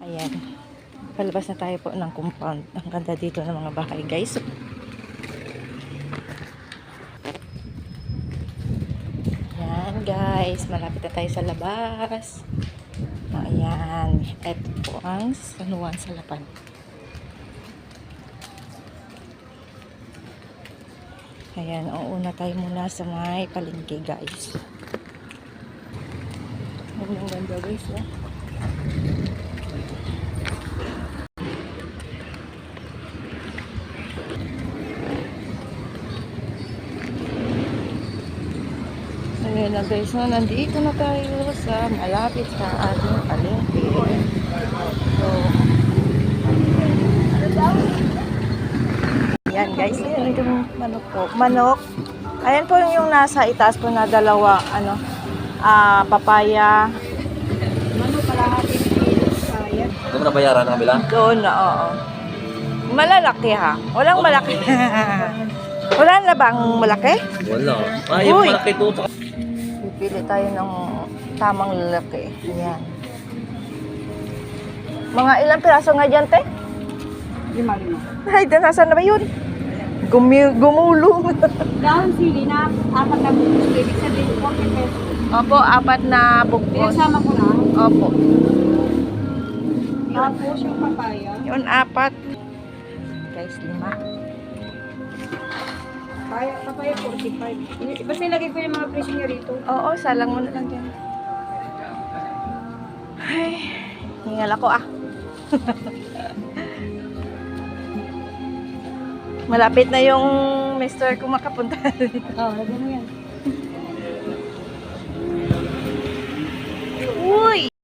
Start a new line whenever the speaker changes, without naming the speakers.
Ayan. Palabas na tayo po ng compound. Ang ganda dito ng mga bahay, guys. Ayan, guys. Malapit na tayo sa labas. Ayan. Ito po ang San Juan Salapan. Ayan. Una tayo muna sa may palengke, guys. Ang ganda, guys. Ayan na, guys, nandito na tayo sa malapit sa ating palengke. So, ayan, guys, ayan itong manok po. Manok. Ayan po yung nasa itaas po na dalawa, papaya.
Manok kalahati kilo sayang.
Ito mo nabayaran ang kabila?
Doon na, oo. Malalaki ha. Walang malaki. Wala na bang malaki?
Wala. Yung
Uy!
malaki ito.
Pili tayo ng tamang lalaki. Ayan. Mga ilang piraso nga dyan, te?
5.
Ay, nasaan na ba yun? Gumulong.
Dahon sili na 4 na bukas. Ibig sabihin 40 pesos.
Opo, 4 na bukos.
Pinagsama ko na.
Opo.
Tapos yung papaya.
Yun, 4. Guys, 5.
Papaya 45. Basta ilagay ko yung mga presyo niya rito.
Oo, salang mo na lang dyan. Ay, hingal ako Malapit na yung mister ko makapunta dito.
Oo, lagyan mo yan.